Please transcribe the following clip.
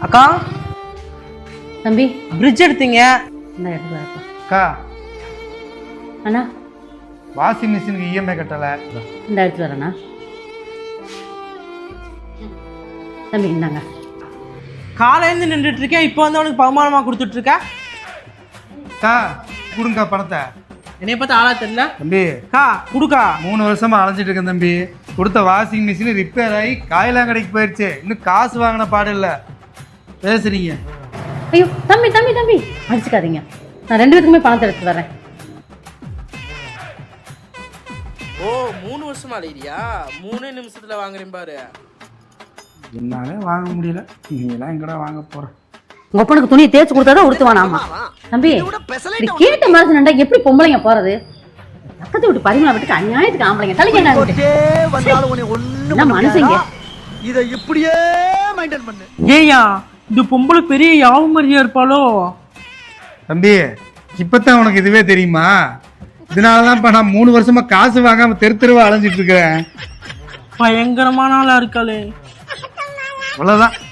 அக்கா தம்பி பிரிட்ஜ் எடுத்தீங்க. இந்த இடத்துல இருக்கா அக்கா அண்ணா, வாஷிங் மிஷினுக்கு இஎம்ஐ கட்டலை. இந்த இடத்துல வரண்ணா. தம்பி இந்தாங்க. காலையிலேருந்து நின்றுட்டு இருக்கேன், இப்போ வந்து அவனுக்கு பகுமானமா கொடுத்துட்டு இருக்க. அக்கா கொடுங்கக்கா பணத்தை. என்னைய பார்த்து ஆளா தெரியல. தம்பி அக்கா குடுக்கா. 3 வருஷமா அலைஞ்சிட்டு இருக்கேன் தம்பி. கொடுத்த வாஷிங் மிஷின் ரிப்பேர் ஆகி காயெல்லாம் கடைக்கு போயிடுச்சு. இன்னும் காசு வாங்கின பாடு இல்லை. பேசுறீங்க? ஐயோ தம்பி தம்பி தம்பி அடிச்சுக்காதீங்க. நான் 2 பேருக்குமே பணத்தை எடுத்து வரேன். ஓ 3 வருஷமா அலையிறியா? 3 நிமிஷத்துல வாங்குறேன் பாரு. என்னாலே வாங்க முடியல, நீங்களாம் எங்கடா வாங்க போற? உங்க அப்பனுக்கு துணியை தேய்ச்சி கொடுத்தாதான் உடுத்துவான். ஆமா தம்பி, இப்படி கேட்ட மாதிரி நண்டா எப்படி பொம்பளைங்க போறது? பக்கத்து விட்டு பரிமளா விட்டுக்கு அநியாயத்துக்கு ஆம்பளைங்க தலைக்கு என்ன மனுஷங்க இதை இப்படியே மெயின்டைன் பண்ணு. ஏயா இந்த பொம்பளை பெரிய யாவு மாதிரியா இருப்பாளோ? தம்பி இப்பதான் உனக்கு இதுவே தெரியுமா? இதனாலதான் இப்ப நான் 3 வருஷமா காசு வாங்காம தெருவா அலைஞ்சிட்டு இருக்கிறேன். பயங்கரமான ஆளா இருக்காளே. அவ்வளவுதான்.